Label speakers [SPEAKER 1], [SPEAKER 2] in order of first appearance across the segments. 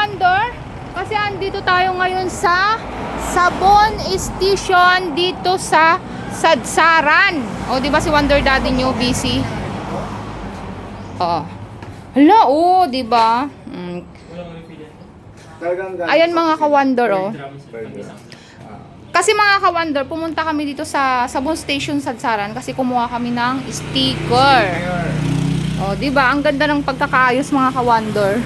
[SPEAKER 1] ka-wonder, kasi andito tayo ngayon sa Sabon Station dito sa Sadsaran. O, di ba si Wonder Daddy nyo busy? Oh. Hala, oh, di ba? Ayan mga ka-wonder, oh. Kasi mga ka-wonder, pumunta kami dito sa Sabon Station Sadsaran kasi kumuha kami ng sticker. Oh, di ba? Ang ganda ng pagkakaayos mga ka-wonder.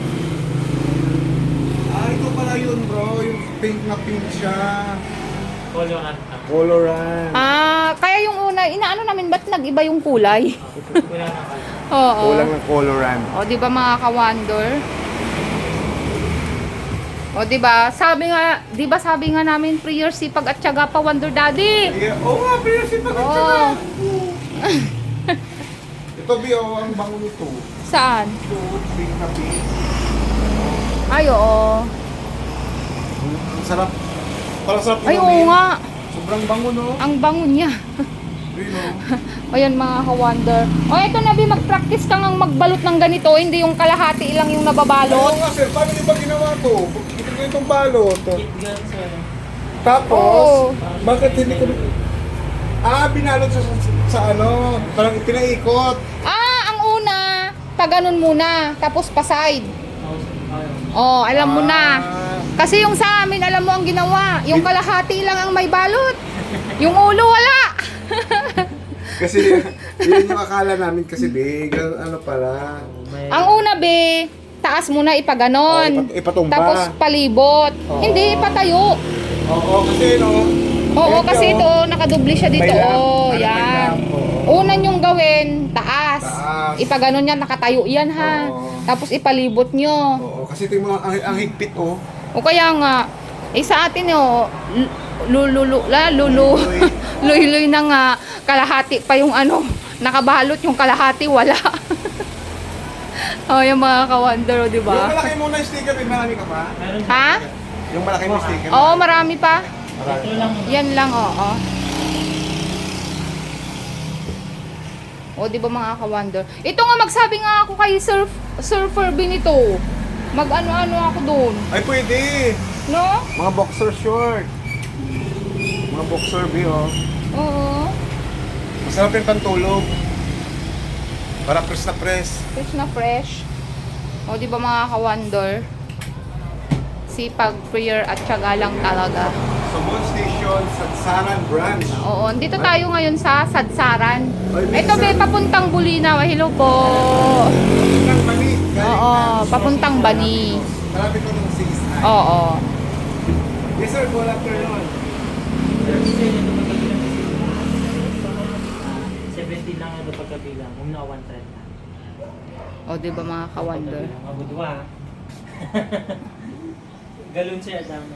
[SPEAKER 2] Ito pala yun bro, yung pink na pink siya.
[SPEAKER 3] Coloran.
[SPEAKER 2] Coloran.
[SPEAKER 1] Kaya yung una, inaano namin, ba't nag-iba yung kulay?
[SPEAKER 3] Wala na kayo.
[SPEAKER 1] Oo.
[SPEAKER 2] Kulang ng coloran.
[SPEAKER 1] O, di ba mga ka-wonder? O, di ba? Sabi nga namin, prayer, sipag at tiyaga pa, Wonder Daddy.
[SPEAKER 2] Yeah. Oo nga, pero si pagkatsaga. Ito Bio, ang bango nito.
[SPEAKER 1] Saan?
[SPEAKER 2] Ito, pink na pink.
[SPEAKER 1] Ay, oo.
[SPEAKER 2] Ang sarap. Parang sarap
[SPEAKER 1] Ay,
[SPEAKER 2] inumin.
[SPEAKER 1] oo nga.
[SPEAKER 2] Sobrang bango no?
[SPEAKER 1] Ang bango niya.
[SPEAKER 2] Ayun no?
[SPEAKER 1] Ayan mga ka-wonder. O, eto na, Bi, mag-practice ka ngang magbalot ng ganito. Hindi yung kalahati lang yung nababalot.
[SPEAKER 2] Oo nga sir, paano niyo ba ginawa to? Ito ko itong balot.
[SPEAKER 3] Kit sir.
[SPEAKER 2] Tapos, bakit hindi ko... binalot sa ano, parang pinaikot.
[SPEAKER 1] Ang una, paganon muna, tapos pa-side. Oh, alam mo na. Kasi yung sa amin, alam mo ang ginawa. Yung kalahati lang ang may balot. Yung ulo, wala.
[SPEAKER 2] Kasi, yun yung akala namin kasi big, ano pala.
[SPEAKER 1] Ang una, Be, taas muna ipaganon.
[SPEAKER 2] Ipatumba.
[SPEAKER 1] Tapos palibot.
[SPEAKER 2] Oo.
[SPEAKER 1] Hindi, ipatayo.
[SPEAKER 2] Oo, kasi no.
[SPEAKER 1] Oo,
[SPEAKER 2] Ayun,
[SPEAKER 1] kasi
[SPEAKER 2] no?
[SPEAKER 1] ito, nakadubli siya dito.
[SPEAKER 2] May lamp.
[SPEAKER 1] Oh,
[SPEAKER 2] Ano, may
[SPEAKER 1] yan.
[SPEAKER 2] lamp, oo.
[SPEAKER 1] Una nyong gawin, taas.
[SPEAKER 2] Taas.
[SPEAKER 1] Ipaganon yan, nakatayo yan ha.
[SPEAKER 2] Oo.
[SPEAKER 1] Tapos ipalibot nyo.
[SPEAKER 2] Oo, kasi ito yung mga, ang higpit oh.
[SPEAKER 1] O kaya nga, sa atin
[SPEAKER 2] Luloy.
[SPEAKER 1] luy-luy na nga, kalahati pa yung ano, nakabalot yung kalahati, wala. Oh, yung mga ka-wonder, di
[SPEAKER 2] Yung
[SPEAKER 1] ba?
[SPEAKER 2] malaki muna yung sticker, may marami ka pa?
[SPEAKER 3] Meron
[SPEAKER 1] Ha?
[SPEAKER 2] Yung malaki mo sticker.
[SPEAKER 1] Oo, marami pa.
[SPEAKER 2] Marami.
[SPEAKER 3] Ito lang.
[SPEAKER 1] Yan lang, oo. O, di ba mga ka-wonder? Ito nga, magsabi nga ako kay Surfer Benito. Mag-ano-ano ako doon.
[SPEAKER 2] Ay, pwede.
[SPEAKER 1] No?
[SPEAKER 2] Mga boxer short. Mga boxer oh.
[SPEAKER 1] Oo.
[SPEAKER 2] Masarap yung pantulog. Para press na press.
[SPEAKER 1] Fresh na fresh. O, di ba mga ka-wonder? Sipag, prayer, at tiyaga lang talaga.
[SPEAKER 2] Sabon Station, Sadsaran Branch.
[SPEAKER 1] Oo, dito tayo ngayon sa Sadsaran.
[SPEAKER 2] Ay,
[SPEAKER 1] Ito, Be, papuntang Bulinaw. Hello po.
[SPEAKER 2] Papuntang Bani.
[SPEAKER 1] Oo, papuntang Bani.
[SPEAKER 2] Malapit ko ng 6.
[SPEAKER 1] Oo.
[SPEAKER 2] Yes sir, good afternoon.
[SPEAKER 3] 70 lang ito pagkabilang. Kung na 130 na.
[SPEAKER 1] O, di ba mga ka-wonder?
[SPEAKER 3] Mabudwa. Galon siya dami.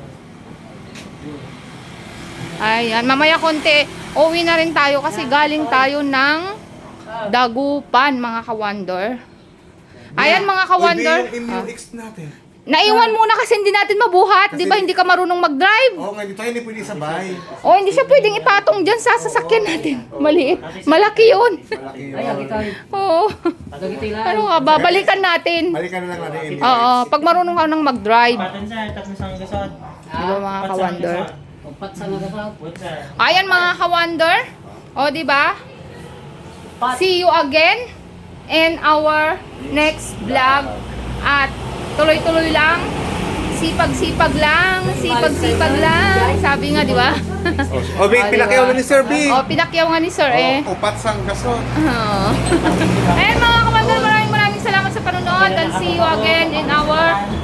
[SPEAKER 1] Ayan, mamaya konti, uwi na rin tayo kasi galing tayo ng Dagupan, mga ka-wonder. Ayan, mga ka-wonder.
[SPEAKER 2] Pwede yung immune X natin.
[SPEAKER 1] Naiwan muna kasi hindi natin mabuhat. Di ba hindi ka marunong mag-drive?
[SPEAKER 2] Oo nga, tayo hindi pwede sabay.
[SPEAKER 1] O, hindi siya pwedeng ipatong dyan sa sasakyan natin. Maliit. Malaki yun.
[SPEAKER 2] Malaki yun.
[SPEAKER 1] Oo. Ano nga ba? Balikan natin.
[SPEAKER 2] Balikan na lang natin yung
[SPEAKER 1] Oo, pag marunong ka nang mag-drive.
[SPEAKER 3] Patan sir, tapos sang gasod.
[SPEAKER 1] Di ba mga ka-wonder?
[SPEAKER 3] Upat sa nagasod. What sir?
[SPEAKER 1] Ayan mga ka-wonder. O, di ba? See you again in our next vlog. At tuloy-tuloy lang. Sipag-sipag lang. Sipag-sipag lang. Sabi nga, di ba?
[SPEAKER 2] O, Big, pinakyaw na ni Sir Big.
[SPEAKER 1] O, pinakyaw nga ni Sir eh.
[SPEAKER 2] Upat sang gasot.
[SPEAKER 1] Oo. Ayan mga ka-wonder, maraming salamat sa panonood. And see you again in our